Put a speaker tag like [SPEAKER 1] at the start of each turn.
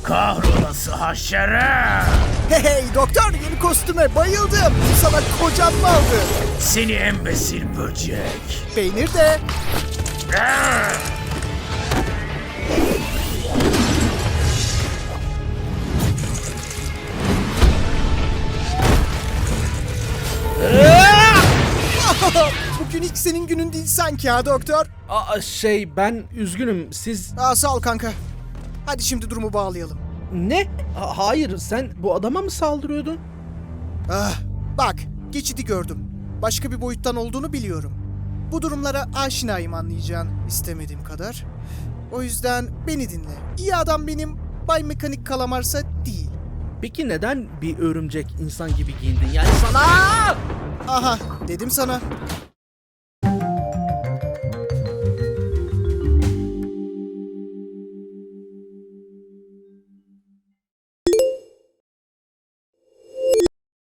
[SPEAKER 1] Kahrolası haşere!
[SPEAKER 2] Hey doktor, yeni kostüme bayıldım. Sana kocam mı aldı?
[SPEAKER 1] Seni embesil böcek!
[SPEAKER 2] Peynir de. Bugün hiç senin günün değil sanki ha doktor.
[SPEAKER 3] Ben üzgünüm. Siz...
[SPEAKER 2] Sağ ol kanka. Hadi şimdi durumu bağlayalım.
[SPEAKER 3] Ne? Hayır, sen bu adama mı saldırıyordun?
[SPEAKER 2] Bak, geçidi gördüm. Başka bir boyuttan olduğunu biliyorum. Bu durumlara aşinayım, anlayacağın, istemediğim kadar. O yüzden beni dinle. İyi adam benim, Bay Mekanik Kalamarsa değil.
[SPEAKER 3] Peki neden bir örümcek insan gibi giyindin? Yani sana...
[SPEAKER 2] Aha, dedim sana.